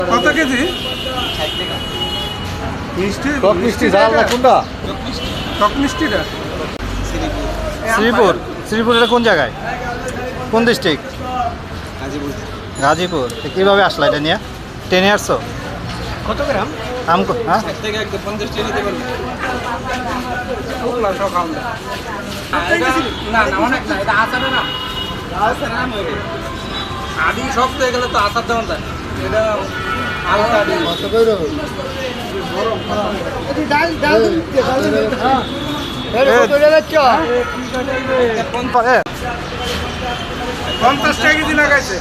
কত কেজি? মিষ্টি টক মিষ্টি ঝাল না কোনটা? টক মিষ্টিটা শ্রীপুর। শ্রীপুর এটা কোন জায়গায়, কোন ডিস্ট্রিক্ট? গাজীপুর। কীভাবে আসলা এটা নিয়ে? ট্রেনে আসছো? কত গ্রাম? আম হ্যাঁ, আদি শক্ত হয়ে গেলে তো আসার দেওয়া যায়। এটা এ, 50 টাকা কেজি লাগাইছে।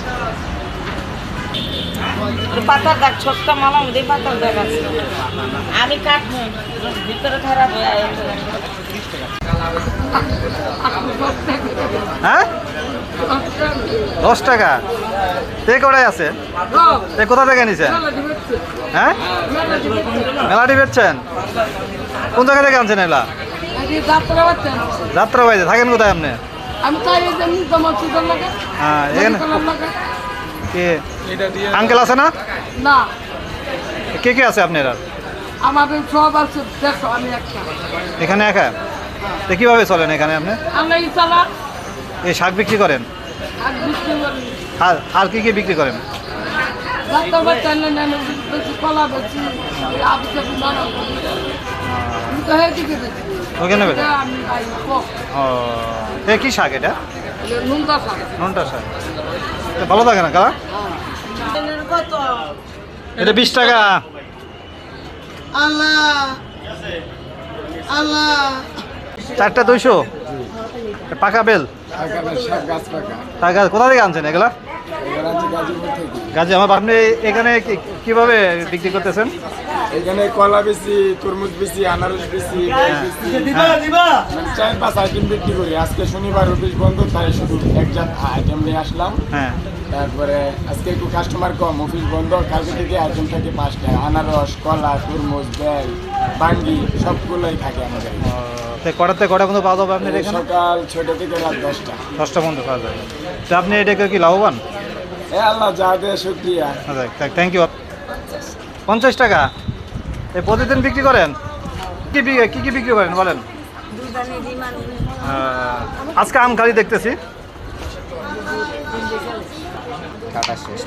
পাতার দাগ ছোট্ট মালা মধ্যে পাতার দাগ আছে। আমি কাটবো ভিতরে খারাপ হয়ে হ্যাঁ 10 টাকা। তে কটাই আছে? তে কোথা থেকে নিছেন? হ্যাঁ মেলাটি বেচছেন? কোন জায়গা থেকে আনছেন এলা? যাত্রা বাইরে থাকেন কোথায় আপনি? আমি তাই তোমার সুন্দর লাগে হ্যাঁ এখানে কে এটা দিয়ে আঙ্কেল আছে না? না কে কে আছে আপনারা? আমাদের সব আছে দেখো আমি একটা এখানে একা? তো কীভাবে চলেন এখানে আপনি? আমরা ইসালা এই শাক বিক্রি করেন? আর বিক্রি করি আর কি কি বিক্রি করেন? ডাক্তার বাচ্চা নেন বেশি কলা বেশি আবিষ্কার নানা আমি তো হয়ে দিকে বেশি ওখানে বেচেন? আমি ভাই কক ও এ কি শাক এটা? নুনটা শাক ননটা শাক। তো ভালো থাকে না কালা? কত এটা 20 টাকা। আল্লাহ আল্লাহ 4টা 200 পাকা বেল। টাকা কোথা থেকে আনছেন এগুলা? গাজী। আমার আপনি এখানে কিভাবে বিক্রি করতেছেন? এখানে কলা বেশি, তরমুজ বেশি, আনারস বেশি, মানে 4-5 আইটেম বিক্রি করি। আজকে শনিবার অফিস বন্ধ, তাই শুধু একজাত আইটেম নিয়ে আসলাম। হ্যাঁ তারপরে আজকে একটু কাস্টমার কম, অফিস বন্ধ। কালকে থেকে আইটেম থাকে 5টা, আনারস, কলা, তরমুজ, বেল, বাঙ্গি সবগুলোই থাকে আমাদের। কটাতে কটা পর্যন্ত পাওয়া যাবে আপনার এখানে? সকাল 6টা থেকে রাত 10টা। 10টা পর্যন্ত পাওয়া যাবে। তো আপনি এটাকে কি লাভবান? আল্লাহ যা দেয় শুক্রিয়া। আচ্ছা থ্যাংক ইউ। 50 টাকা এই প্রতিদিন বিক্রি করেন? কি কি বিক্রি করেন বলেন? আজকে আম খালি দেখতেছি। কাটা শেষ।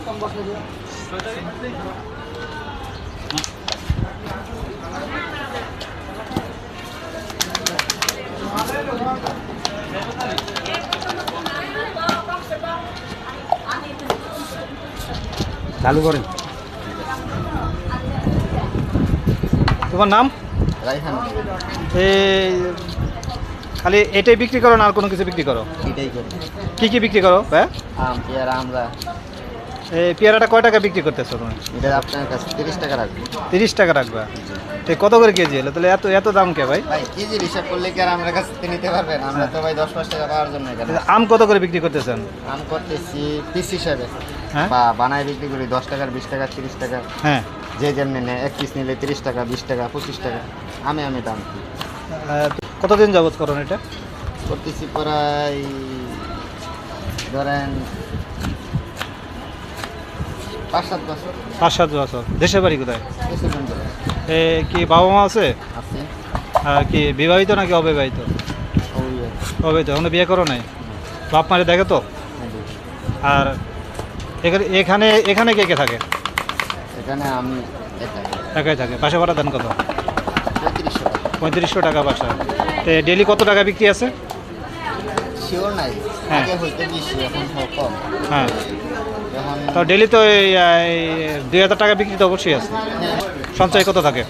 চালু করেন। তোমার নাম? রাইহান। এই খালি এটাই বিক্রি করো না আর কোনো কিছু বিক্রি করো? এটাই করি। কি বিক্রি করো? হ্যাঁ আম, পেয়ারা, আমরা। এই পেয়ারাটা কয় টাকা বিক্রি করতেছো তুমি? এটা আপনার কাছে 30 টাকা রাখবো। 30 টাকা রাখবা? তো কত করে কেজি এলো তাহলে? এত দাম কে ভাই? ভাই কেজির হিসাব করলে কি আর আমরা কাছ থেকে নিতে পারবেন? আমরা তো ভাই 10-5 টাকা পাওয়ার জন্য এখানে আম কত করে বিক্রি করতেছেন? আম করতেছি পিস হিসাবে। হ্যাঁ বা বানায় বিক্রি করি 10 টাকার, 20 টাকা, 30 টাকা। হ্যাঁ যে যেমনি নেয়, এক পিস নিলে 30 টাকা, 20 টাকা, 25 টাকা। আমি দাম কতদিন যাবত করেন এটা? করতেছি প্রায় ধরেন 5-7 বছর। 5-7 বছর। দেশের বাড়ি কোথায়? কিছুদিন ধরে এ কি বাবা মা আছে? আছি। কি বিবাহিত নাকি অবিবাহিত? অবিবাহিত। এখনো বিয়ে করো নাই? বাপ মারে দেখে তো? আর এখানে কে কে থাকে? এখানে আমি একাই থাকে। বাসা ভাড়া দেন কত? 3500 টাকা। 3500 টাকা বাসা। তো ডেলি কত টাকা বিক্রি আছে? শিওর নাই, হ্যাঁ। আগে হইতে বেশি, এখন কম। হ্যাঁ এখন তো ডেলি তো এই 2000 টাকা বিক্রি তো অবশ্যই আছে। সঞ্চয় কত থাকে?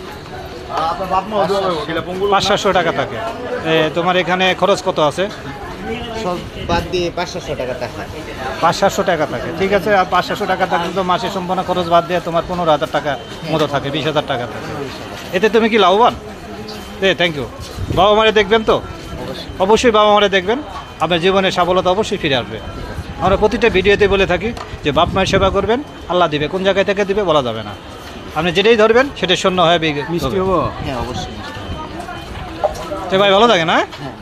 500-700 টাকা থাকে। তোমার এখানে খরচ কত আছে? সব বাদ দিয়ে 500 টাকা থাকে। 500-700 টাকা থাকে। ঠিক আছে। আর 500 টাকা থাকলে তো মাসে সম্পূর্ণ খরচ বাদ দিয়ে তোমার 15,000 টাকা মতো থাকে, 20,000 টাকা থাকে। এতে তুমি কি লাভবান? Thank you. বাবা মারে দেখবেন তো? অবশ্যই বাবা মারে দেখবেন। আপনার জীবনে সফলতা অবশ্যই ফিরে আসবে। আমরা প্রতিটা ভিডিওতে বলে থাকি যে বাপ মায়ের সেবা করবেন, আল্লাহ দিবে। কোন জায়গায় থেকে দিবে বলা যাবে না। আপনি যেটাই ধরবেন সেটা শূন্য হয়ে মিষ্টি হবো। হ্যাঁ অবশ্যই। ভাই ভালো থাকে না? হ্যাঁ।